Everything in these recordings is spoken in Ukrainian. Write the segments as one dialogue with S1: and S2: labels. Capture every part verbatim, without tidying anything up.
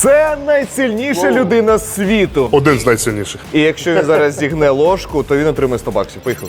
S1: Це найсильніша людина світу.
S2: Один з найсильніших.
S1: І якщо він зараз зігне ложку, то він отримає сто баксів. Поїхали.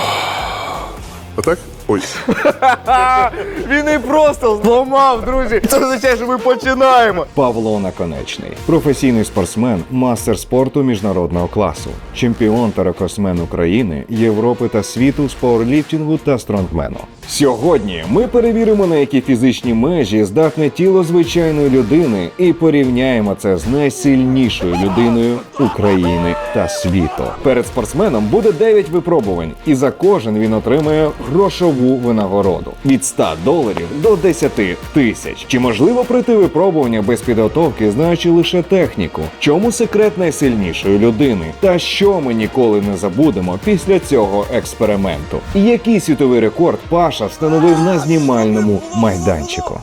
S2: Отак? Ой.
S1: Він і просто зламав, друзі. Це означає, що ми починаємо.
S3: Павло Наконечний – професійний спортсмен, мастер спорту міжнародного класу, чемпіон та рекордсмен України, Європи та світу з пауерліфтингу та стронгмену. Сьогодні ми перевіримо, на які фізичні межі здатне тіло звичайної людини і порівняємо це з найсильнішою людиною України та світу. Перед спортсменом буде дев'ять випробувань, і за кожен він отримує грошову винагороду – від ста доларів до десяти тисяч. Чи можливо пройти випробування без підготовки, знаючи лише техніку? Чому секрет найсильнішої людини? Та що ми ніколи не забудемо після цього експерименту? І який світовий рекорд Паша встановив на знімальному майданчику?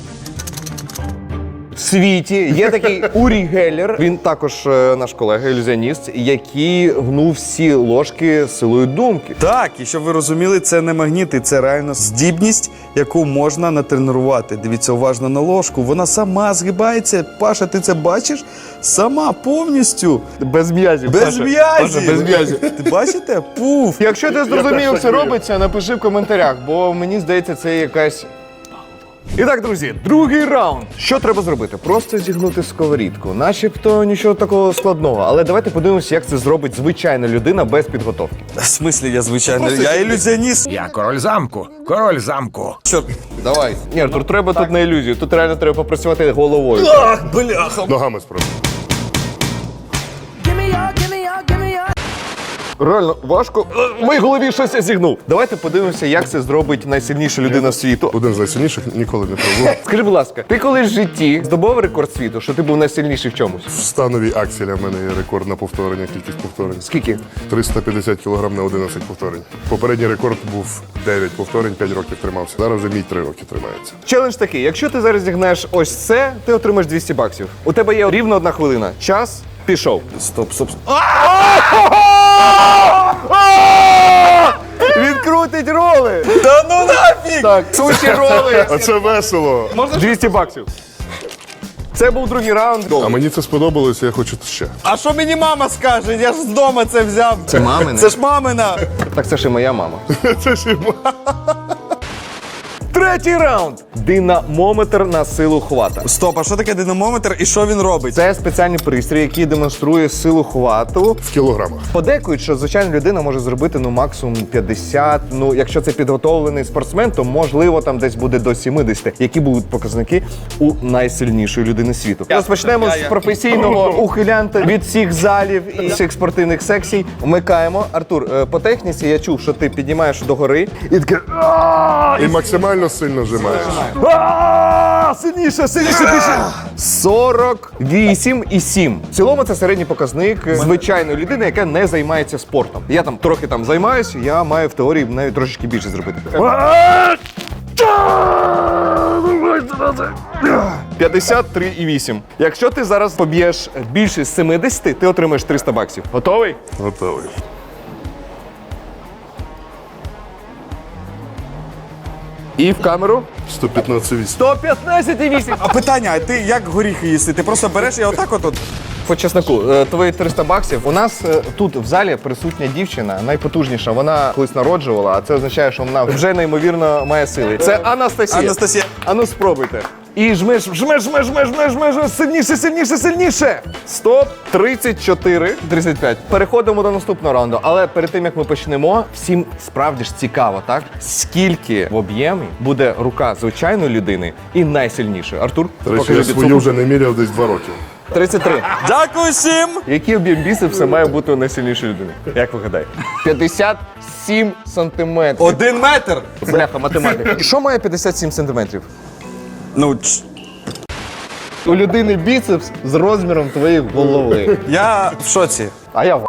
S1: В світі є такий Урі Геллер, він також е, наш колега, ілюзіоніст, який гнув всі ложки силою думки.
S4: Так, і щоб ви розуміли, це не магніти, це реально здібність, яку можна натренувати. Дивіться уважно на ложку, вона сама згибається. Паша, ти це бачиш? Сама повністю.
S1: Без м'язів.
S4: Без
S1: Паша.
S4: м'язів.
S1: Паша, без м'язів.
S4: Ти бачите? Пуф.
S1: Якщо ти зрозумів, як це робиться, напиши в коментарях, бо мені здається, це якась... І так, друзі, другий раунд. Що треба зробити? Просто зігнути сковорідку. Начебто нічого такого складного. Але давайте подивимося, як це зробить звичайна людина без підготовки.
S4: В смислі, я звичайно, я ілюзіоніст.
S5: Я король замку, король замку.
S4: Що?
S1: Давай. Ні, Артур, треба тут на ілюзію. Тут реально треба попрацювати головою.
S4: Ах, бляха.
S2: Ногами спробуй.
S1: Реально важко. В моїй голові щось я зігнув. Давайте подивимося, як це зробить найсильніша людина світу.
S2: Один з найсильніших, ніколи не пробував.
S1: Скажи, будь ласка, ти колись в житті здобув рекорд світу, що ти був найсильніший в чомусь?
S2: В становій акселі в мене є рекорд на повторення, кількість повторень.
S1: Скільки?
S2: триста п'ятдесят кілограм на одинадцять повторень. Попередній рекорд був дев'ять повторень, п'ять років тримався. Зараз вже мій три роки тримається.
S1: Челендж такий, якщо ти зараз зігнеш ось це, ти отримаєш двісті баксів. У тебе є рівно одна хвилина. Час пішов.
S4: Стоп, стоп, стоп.
S1: Він крутить роли!
S4: Та ну нафіг!
S1: Так, суші роли!
S2: А це весело!
S1: двісті баксів. Це був другий раунд.
S2: А мені це сподобалося, я хочу ще.
S4: А що мені мама скаже? Я ж з дому це взяв.
S1: Це мамине?
S4: Це ж мамина.
S1: Так це ж і моя мама.
S2: Це ж і
S1: Третій раунд. Динамометр на силу хвата.
S4: Стоп, а що таке динамометр і що він робить?
S1: Це спеціальний пристрій, який демонструє силу хвату.
S2: в кілограмах.
S1: Подейкують, що звичайна людина може зробити ну максимум п'ятдесят. Ну, якщо це підготовлений спортсмен, то можливо там десь буде до сімдесят. Які будуть показники у найсильнішої людини світу? Розпочнемо з професійного ухилянта від всіх залів і всіх спортивних секцій. Вмикаємо. Артур, е, по техніці я чув, що ти піднімаєш догори і таке.
S2: І максимально сильно зжимаєш.
S1: А, сильніше, сильніше, більше. сорок вісім і сім. В цілому це середній показник звичайної людини, яка не займається спортом. Я там трохи там займаюся, я маю в теорії навіть трошечки більше зробити. п'ятдесят три і вісім. Якщо ти зараз поб'єш більше сімдесят, ти отримаєш триста баксів. Готовий?
S2: Готовий.
S1: І в камеру.
S2: сто п'ятнадцять вісім.
S1: сто п'ятнадцять і вісім.
S4: А питання, а ти як горіхи їсти? Ти просто береш і отак от? от?
S1: По чесноку, е, твої триста баксів. У нас е, тут в залі присутня дівчина, найпотужніша. Вона колись народжувала, а це означає, що вона вже неймовірно має сили. Це Анастасія.
S4: Анастасія.
S1: Ану спробуйте. І жмеш, жмеш, жмеш, жмеш, жмеш, жмеш, жмеш, сильніше, сильніше, сильніше. Стоп, тридцять чотири, тридцять п'ять. Переходимо до наступного раунду. Але перед тим, як ми почнемо, всім справді ж цікаво, так? Скільки в об'ємі буде рука звичайної людини і найсильнішої? Артур,
S2: До речі,
S1: покажи
S2: я свою
S1: підсумок.
S2: вже не міряв десь два роки.
S1: тридцять три.
S4: Дякую всім!
S1: Який об'єм біцепса має бути у найсильнішої людини? Як ви гадаєте? п'ятдесят сім сантиметрів.
S4: Один метр!
S1: Бляха, математика. Що має п'ятдесят сім сантиметрів?
S4: Ну, ч-
S1: У людини біцепс з розміром твоєї голови.
S4: я в шоці.
S1: А я в.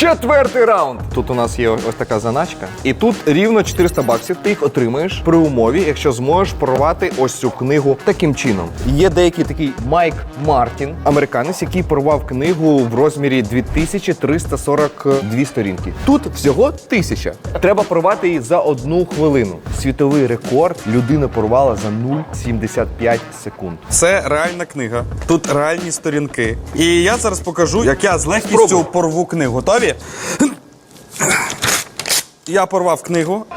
S1: Четвертий раунд. Тут у нас є ось така заначка. І тут рівно чотириста баксів. Ти їх отримаєш при умові, якщо зможеш порвати ось цю книгу таким чином. Є деякий такий Майк Мартін, американець, який порвав книгу в розмірі дві тисячі триста сорок дві сторінки. Тут всього тисяча. Треба порвати її за одну хвилину. Світовий рекорд людина порвала за нуль цілих сімдесят п'ять секунд.
S4: Це реальна книга. Тут реальні сторінки. І я зараз покажу, як я з легкістю
S1: Спробуй.
S4: порву книгу. Готові? Я порвав книгу.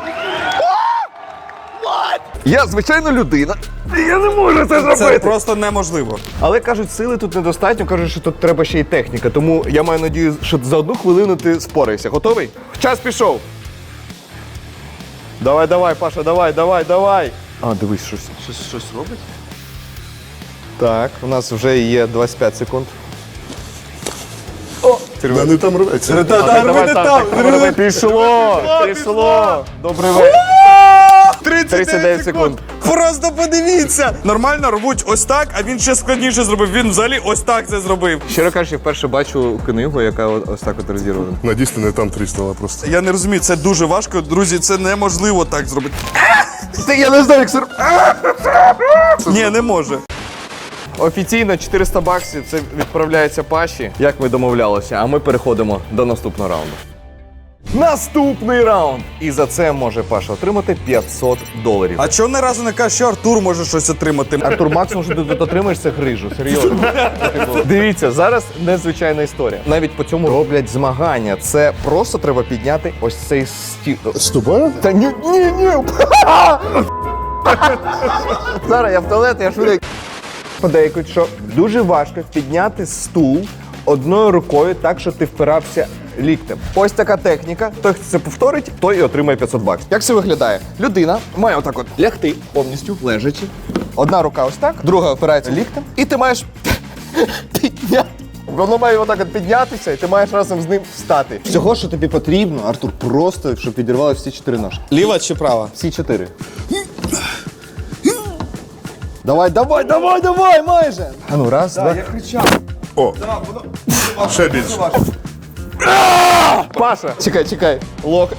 S1: Я звичайно людина. Я не можу це зробити.
S4: Це просто неможливо.
S1: Але кажуть, сили тут недостатньо, кажуть, що тут треба ще й техніка. Тому я маю надію, що за одну хвилину ти спораєшся. Готовий? Час пішов. Давай, давай, Паша, давай, давай, давай. А, дивись, щось, щось, щось робить. Так, у нас вже є двадцять п'ять секунд.
S2: Да, не там рветься.
S1: Так, давай, так, так, пішло, пішло. Добрий вечір. тридцять дев'ять секунд.
S4: Просто подивіться! Нормально рвуть ось так, а він ще складніше зробив. Він взагалі ось так це зробив.
S1: Щиро кажучи, вперше бачу книгу, яка ось так от розірвана.
S2: Надіюсь, ти не там тріснула просто.
S4: Я не розумію, це дуже важко. Друзі, це неможливо так зробити.
S1: Ти, я не знаю, як це...
S4: Ні, не може.
S1: Офіційно чотириста баксів це відправляється Паші, як ми домовлялися, а ми переходимо до наступного раунду. Наступний раунд! І за це може Паша отримати п'ятсот доларів.
S4: А чого не разу не кажеш, що Артур може щось отримати?
S1: Артур, максимум, що ти тут отримаєш, це грижу, серйозно. Дивіться, зараз незвичайна історія. Навіть по цьому роблять змагання. Це просто треба підняти ось цей стіл.
S2: З тобою?
S1: Та ні, ні, ні. Зараз я в туалет, я швидко. Подейкують, що дуже важко підняти стул одною рукою так, що ти впирався ліктем. Ось така техніка. Той, хто це повторить, той і отримає п'ятсот баксів. Як це виглядає? Людина має отак от лягти повністю, лежачи. Одна рука ось так, друга опирається ліктем, і ти маєш підняти. Воно має отак от піднятися, і ти маєш разом з ним встати. Всього, що тобі потрібно, Артур, просто, щоб підірвали всі чотири ножки.
S4: Ліва чи права?
S1: Всі чотири. Давай, давай, давай, давай, майже! А ну, раз, два. Я кричав.
S2: О, ще більше.
S1: Паша! Чекай, чекай. Лок.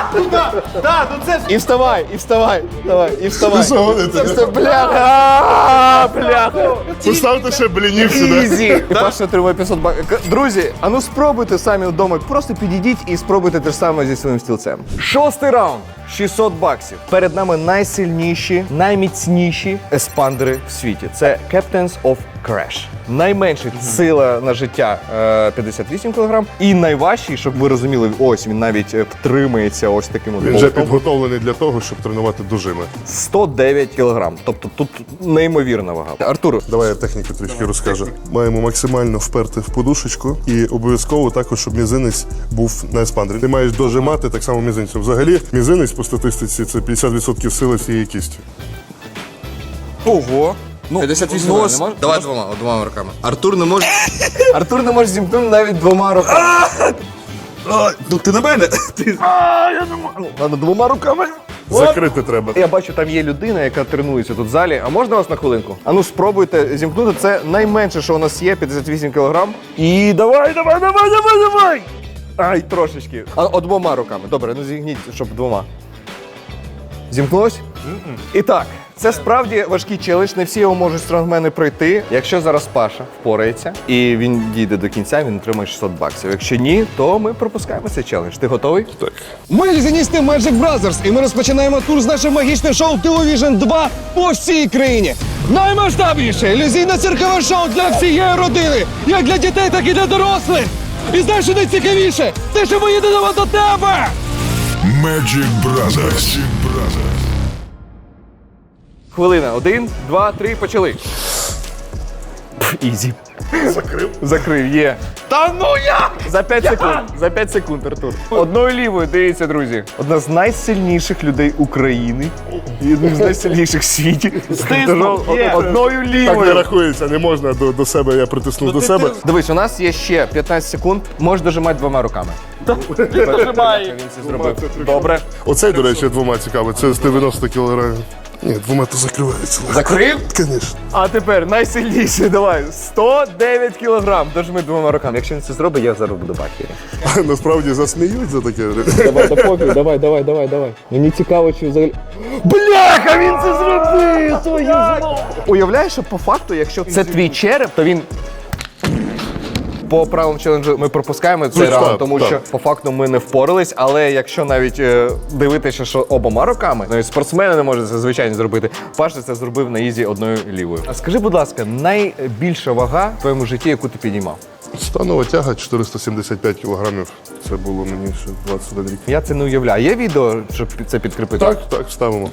S1: І вставай, і вставай, давай, і вставай.
S2: Ви що гоните?
S1: Це все, бляха, а, бляха.
S2: Поставте ще блінів сюди.
S1: Ізі. І Паша отримує п'ятсот баксів. Друзі, а ну спробуйте самі вдома, просто підійдіть і спробуйте те ж саме зі своїм стілцем. Шостий раунд. шістсот баксів. Перед нами найсильніші, найміцніші еспандери в світі. Це Captains of Crash. Найменша сила на життя е, п'ятдесят вісім кілограм. І найважчий, щоб ви розуміли, ось він навіть е, втримується ось таким от
S2: Він вже
S1: болтом.
S2: підготовлений для того, щоб тренувати дужими.
S1: сто дев'ять кілограм. Тобто тут неймовірна вага. Артур,
S2: Давай я техніку трішки розкажу. Маємо максимально вперти в подушечку і обов'язково також, щоб мізинець був на еспандері. Ти маєш дожимати так само мізинцем. Взагалі, мізинець по статистиці це п'ятдесят відсотків сили всієї кісті.
S4: Ого. Ну,
S1: п'ятдесят вісім
S4: ну,
S1: не
S4: ось-
S1: може? Давай двома, двома руками. Артур не може. Артур не може зімкнути навіть двома руками.
S4: А, ну ти на мене. Ти...
S1: Ладно, двома руками.
S2: Закрити треба.
S1: Я бачу, там є людина, яка тренується тут в залі. А можна вас на хвилинку? А ну спробуйте зімкнути. Це найменше, що у нас є, п'ятдесят вісім кілограм. І давай, давай, давай, давай, давай! Ай, трошечки. А от двома руками. Добре, ну зігніть, щоб двома. Зімкнулось? І так, це справді важкий челендж, не всі його можуть стронгмени пройти. Якщо зараз Паша впорається і він дійде до кінця, він отримає шістсот баксів. Якщо ні, то ми пропускаємо цей челендж. Ти готовий?
S2: Так.
S6: Ми лізіністи Magic Brothers, і ми розпочинаємо тур з нашим магічним шоу Television два по всій країні. Наймасштабніше ілюзійне циркове шоу для всієї родини, як для дітей, так і для дорослих. І знаєш, що найцікавіше? Те, що ми їдемо до тебе!
S5: Magic Brothers.
S1: Хвилина. Один, два, три, почали. Пф, Ізі.
S2: Закрив.
S1: Закрив, є. Та ну як? За п'ять секунд. За п'ять секунд, Артур. Одною лівою, дивіться, друзі. Одна з найсильніших людей України і одна з найсильніших в світі. Стиснув. Одною
S2: Так не
S1: лівою.
S2: рахується, не можна до, до себе, я притиснув до себе.
S1: Дивись, у нас є ще п'ятнадцять секунд. Можеш дожимати двома руками. Дожимай. Він це зробив. Добре.
S2: Оцей, до речі, двома цікавий. Це з дев'яносто кілограмів. Ні, двома то закривається.
S1: Закрив?
S2: Звісно.
S1: А тепер найсильніший, давай, сто дев'ять кілограм. Дожми двома руками. Якщо він це зробить, я зараз буду бакері.
S2: Насправді засміють за таке.
S6: Давай, да пофіг, давай, давай, давай, давай. Мені цікаво, чи взагалі. Бляха, він це зробив! Твою ж-
S1: Уявляєш, що по факту, якщо це твій череп, то він. По правилам челенджу ми пропускаємо цей
S2: Ну,
S1: раунд,
S2: так,
S1: тому
S2: так.
S1: що по факту ми не впорались. Але якщо навіть е, дивитися, що обома руками, навіть спортсмени не можуть це звичайно зробити. Паша це зробив на ізі одною лівою. А скажи, будь ласка, найбільша вага в твоєму житті, яку ти підіймав?
S2: Станова тяга чотириста сімдесят п'ять кілограмів. Це було мені ще двадцять один рік.
S1: Я це не уявляю. Є відео, щоб це підкріпити?
S2: Так, так, ставимо.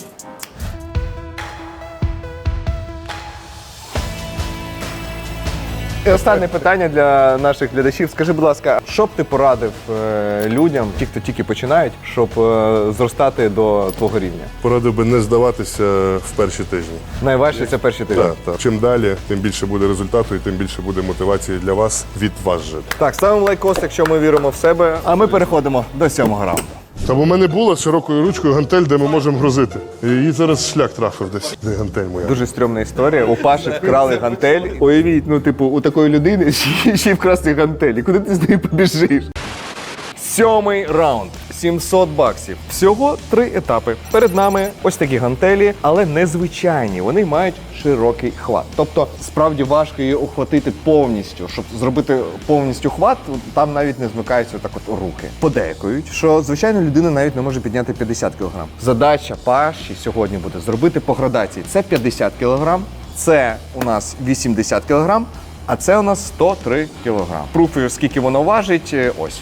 S1: І останнє питання для наших глядачів. Скажи, будь ласка, що б ти порадив е, людям, ті, хто тільки починають, щоб е, зростати до твого рівня?
S2: Порадив би не здаватися в перші тижні.
S1: Найважче це перші тижні.
S2: Так, так. Чим далі, тим більше буде результату і тим більше буде мотивації для вас від вас же.
S1: Так, ставимо лайкос, якщо ми віримо в себе. А ми переходимо до сьомого раунду.
S2: Та бо в мене була з широкою ручкою гантель, де ми можемо грузити. І її зараз шлях трафив десь. Де гантель моя?
S1: Дуже стрьомна історія. У Паші вкрали гантель. Уявіть, ну, типу, у такої людини ще, ще й вкрасти гантель. І куди ти з нею побіжиш? Сьомий раунд. сімсот баксів. Всього три етапи. Перед нами ось такі гантелі, але незвичайні. Вони мають широкий хват. Тобто, справді важко її охватити повністю. Щоб зробити повністю хват, там навіть не змикаються так от руки. Подейкують, що звичайно людина навіть не може підняти п'ятдесят кілограм. Задача Паші сьогодні буде зробити по градації. Це п'ятдесят кілограм, це у нас вісімдесят кілограм, а це у нас сто три кілограм. Пруфую, скільки воно важить, ось.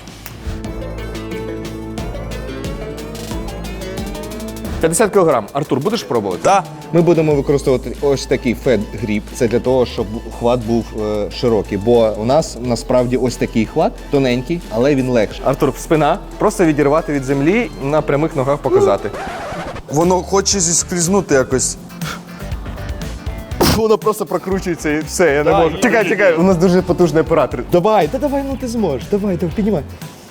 S1: п'ятдесят кілограм. Артур, будеш пробувати?
S4: Так.
S1: Ми будемо використовувати ось такий фет-гріп. Це для того, щоб хват був е, широкий. Бо у нас насправді ось такий хват, тоненький, але він легший. Артур, спина. Просто відірвати від землі, на прямих ногах показати.
S4: Воно хоче зіскрізнути якось.
S1: Воно просто прокручується і все, я не можу. Чекай, чекай, у нас дуже потужний оператор. Давай, та давай, ну ти зможеш. Давай, давай, піднімай.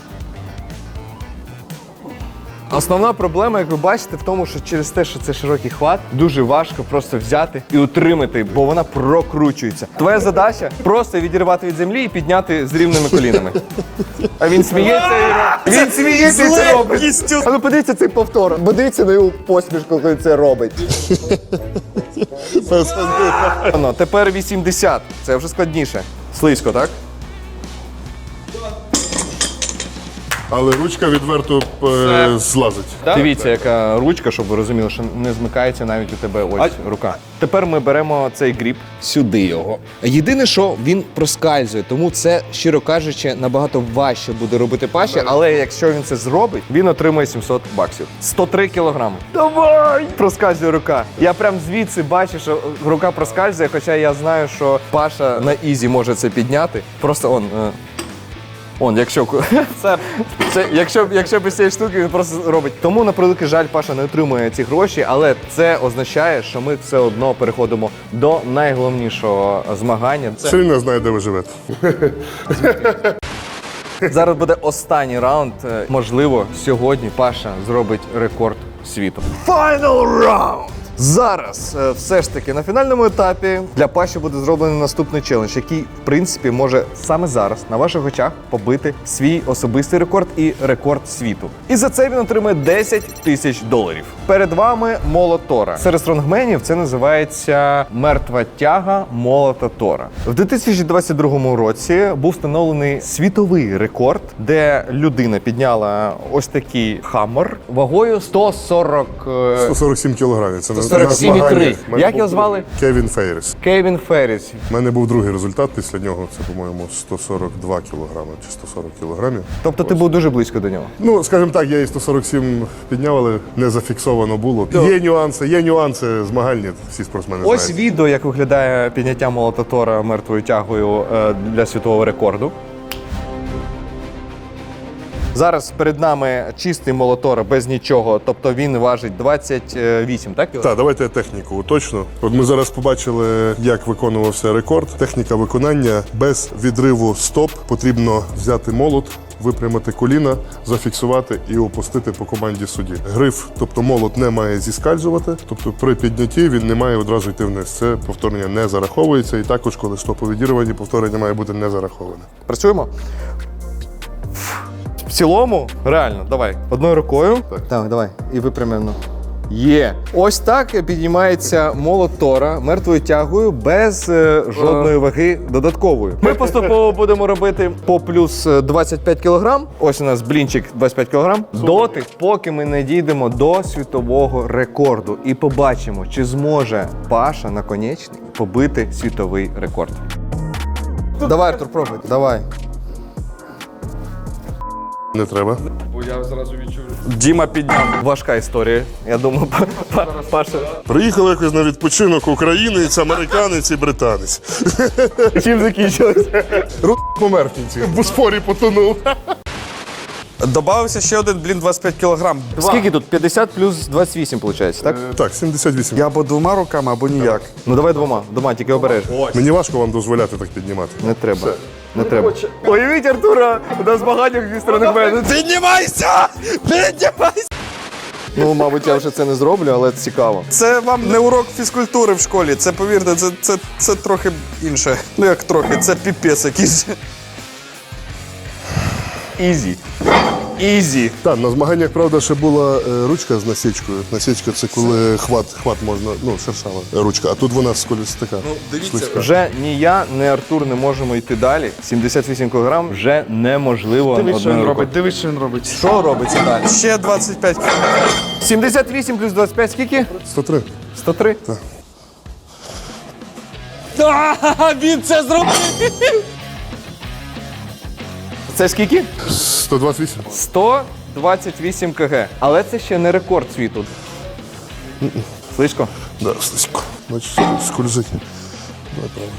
S1: Основна проблема, як ви бачите, в тому, що через те, що це широкий хват, дуже важко просто взяти і утримати, бо вона прокручується. Твоя задача просто відірвати від землі і підняти з рівними колінами. А він сміється і робить. Він сміється і це робить. А ну подивіться цей повтор. Подивіться на його посмішку, коли це робить. Ну, тепер вісімдесят. Це вже складніше. Слизько, так?
S2: Але ручка відверто е, злазить.
S1: Дивіться, яка ручка, щоб ви розуміли, що не змикається навіть у тебе ось рука. Тепер ми беремо цей гріб, сюди його. Єдине, що він проскальзує, тому це, щиро кажучи, набагато важче буде робити Паші, але якщо він це зробить, він отримає сімсот баксів. сто три кілограми. Давай! Проскальзує рука. Я прям звідси бачу, що рука проскальзує, хоча я знаю, що Паша на ізі може це підняти. Просто он... е, Он, якщо це, це, якщо, якщо без цієї штуки він просто робить. Тому, на превеликий жаль, Паша не отримує ці гроші, але це означає, що ми все одно переходимо до найголовнішого змагання.
S2: Все рівно знає, де ви живете.
S1: Зараз буде останній раунд. Можливо, сьогодні Паша зробить рекорд світу. Final round! Зараз е, все ж таки на фінальному етапі для Паші буде зроблений наступний челендж, який, в принципі, може саме зараз на ваших очах побити свій особистий рекорд і рекорд світу. І за це він отримає десять тисяч доларів. Перед вами молот Тора. Серед стронгменів це називається мертва тяга молота Тора. В дві тисячі двадцять другому році був встановлений світовий рекорд, де людина підняла ось такий хаммер вагою сто сорок... е,
S2: сто сорок сім кілограмів. Це на-
S1: сорок сім
S2: на
S1: і три.
S2: змаганнях. В мене
S1: Як
S2: був
S1: його звали?
S2: Кевін Фейріс.
S1: Кевін Ферріс.
S2: У мене був другий результат після нього. Це, по-моєму, сто сорок два кілограми чи сто сорок кілограмів.
S1: Тобто ти був дуже близько до нього.
S2: Ну, скажімо так, я і сто сорок сім підняв, але не зафіксовано було. Є нюанси, є нюанси змагальні, всі спортсмени
S1: Ось
S2: знають.
S1: відео, як виглядає підняття молота Тора мертвою тягою е, для світового рекорду. Зараз перед нами чистий молот Тора без нічого, тобто він важить двадцять вісім, так?
S2: Так, давайте я техніку уточну. От ми зараз побачили, як виконувався рекорд. Техніка виконання без відриву стоп. Потрібно взяти молот, випрямити коліна, зафіксувати і опустити по команді судді. Гриф, тобто молот, не має зіскальзувати, тобто при піднятті він не має одразу йти вниз. Це повторення не зараховується, і також, коли стопи відірвані, повторення має бути не зараховане.
S1: Працюємо? В цілому, реально, давай. Одною рукою. Так, так давай. І випрямлено. Є. Ось так піднімається молот Тора мертвою тягою без е, жодної ваги додаткової. Ми поступово будемо робити по плюс двадцять п'ять кілограм. Ось у нас блінчик двадцять п'ять кілограм. Доти, поки ми не дійдемо до світового рекорду і побачимо, чи зможе Паша Наконечний побити світовий рекорд. Давай, Артур, пробуй. Давай.
S2: Не треба.
S4: Діма підняв.
S1: Важка історія. Я думаю, па- па- Паша.
S2: Приїхали якось на відпочинок українець, американець і британець.
S1: Чим закінчилося?
S2: Ру помер в кінці. В Босфорі потонув.
S4: Добавився ще один, блін, двадцять п'ять кілограм.
S1: Скільки тут? п'ятдесят плюс двадцять вісім, виходить, так?
S2: Так, сімдесят вісім.
S4: Я або двома руками, або ніяк.
S1: Ну давай двома. Двома, тільки обережно.
S2: Мені важко вам дозволяти так піднімати.
S1: Не треба. Не треба. Уявіть, Артура, на змаганнях зі сторони мене.
S4: Піднімайся! Піднімайся!
S1: Ну, мабуть, я вже це не зроблю, але цікаво.
S4: Це вам не урок фізкультури в школі. Це, повірте, це, це, це трохи інше. Ну як трохи, це піпець якийсь.
S1: Ізі. Ізі.
S2: Так, на змаганнях, правда, ще була е, ручка з насічкою. Насічка це коли хват, хват можна, ну, шершава ручка, а тут вона сколюсь така. Ну,
S4: дивіться.
S1: Вже ні я, ні Артур не можемо йти далі. сімдесят вісім кілограм вже неможливо
S4: Дивись, що він
S1: одною
S4: робить,
S1: рукою.
S4: дивись, що він робить.
S1: Що робиться далі?
S4: Ще двадцять п'ять кілограм.
S1: сімдесят вісім плюс двадцять п'ять скільки?
S2: сто три.
S1: сто три?
S4: Так. Він це зробив!
S1: Це скільки?
S2: сто двадцять вісім.
S1: сто двадцять вісім кг. Але це ще не рекорд світу. Слишком?
S2: Да, слизько. Значить, скользить. Давай правильно.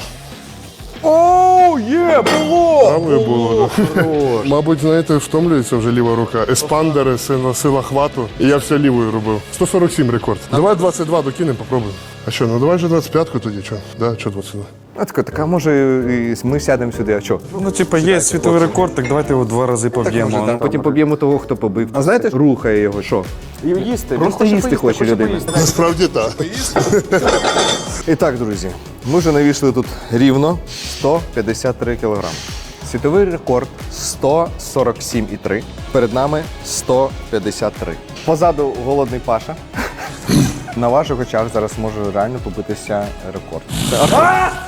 S1: Оу, є, було!
S2: Правою було, да. Мабуть, знаєте, втомлюється вже ліва рука. Еспандери, сила, сила хвату. І я все лівою робив. сто сорок сім рекорд. Давай двадцять два докинемо, попробуємо. А що, ну давай же двадцять п'ятку тоді, що? Да, що двадцять два?
S1: А така, така, може, і ми сядемо сюди, а що?
S4: Ну, типа, є світовий рекорд, так давайте його два рази поб'ємо.
S1: Може, потім поб'ємо того, хто побив. А знаєте, рухає його, що? Їсти. Просто їсти хоче людина.
S2: Насправді так.
S1: І так, друзі, ми вже навійшли тут рівно сто п'ятдесят три кілограми. Світовий рекорд сто сорок сім і три. Перед нами сто п'ятдесят три. Позаду голодний Паша. На ваших очах зараз може реально побитися рекорд. Це Артур.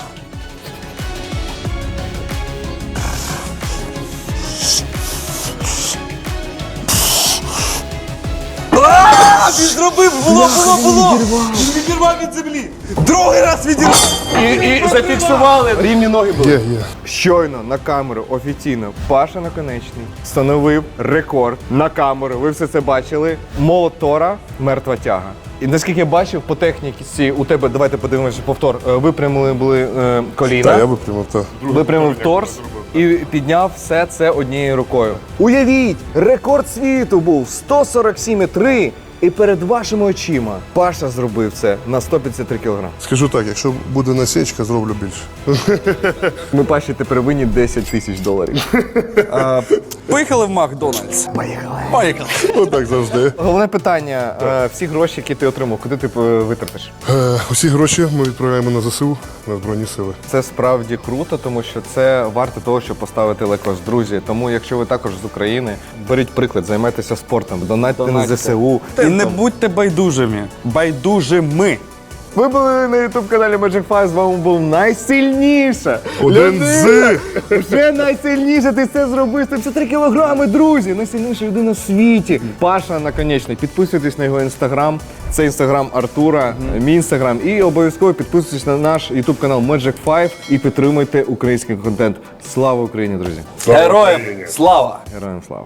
S4: Він зробив, було, було, було! Він відірвав від землі! Другий раз відірвав!
S1: І, і зафіксували. Рівні ноги були.
S2: Є, є.
S1: Щойно на камеру офіційно Паша Наконечний встановив рекорд на камеру. Ви все це бачили. Молот Тора, мертва тяга. І наскільки я бачив, по техніці у тебе, давайте подивимося повтор, е, випрямили були е, коліна,
S2: Так, я випрямив, так.
S1: випрямив торс і підняв все це однією рукою. Уявіть, рекорд світу був сто сорок сім і три. І перед вашими очима Паша зробив це на сто п'ятдесят три кілограми.
S2: Скажу так, якщо буде насічка, зроблю більше.
S1: Ми Паші тепер винні десять тисяч доларів.
S4: Поїхали в Макдональдс.
S1: Поїхали.
S4: Поїхали.
S2: Отак завжди.
S1: Головне питання, е, всі гроші, які ти отримав, куди ти е, витратиш?
S2: Е, усі гроші ми відправляємо на ЗСУ, на Збройні Сили.
S1: Це справді круто, тому що це варто того, щоб поставити лайкос. Друзі, тому якщо ви також з України, беріть приклад, займайтеся спортом, донатьте на ЗСУ.
S4: І не будьте байдужими. Байдужими.
S1: Ви були на ютуб-каналі Magic Five, з вами був найсильніша
S2: Один
S1: людина. Вже найсильніша, ти це зробив, це три кілограми, друзі. Найсильніша людина в світі. Паша Наконечний. Підписуйтесь на його інстаграм. Це інстаграм Артура, мій інстаграм. І обов'язково підписуйтесь на наш ютуб канал Magic Five і підтримуйте український контент. Слава Україні, друзі!
S4: Героям слава!
S1: Героям слава!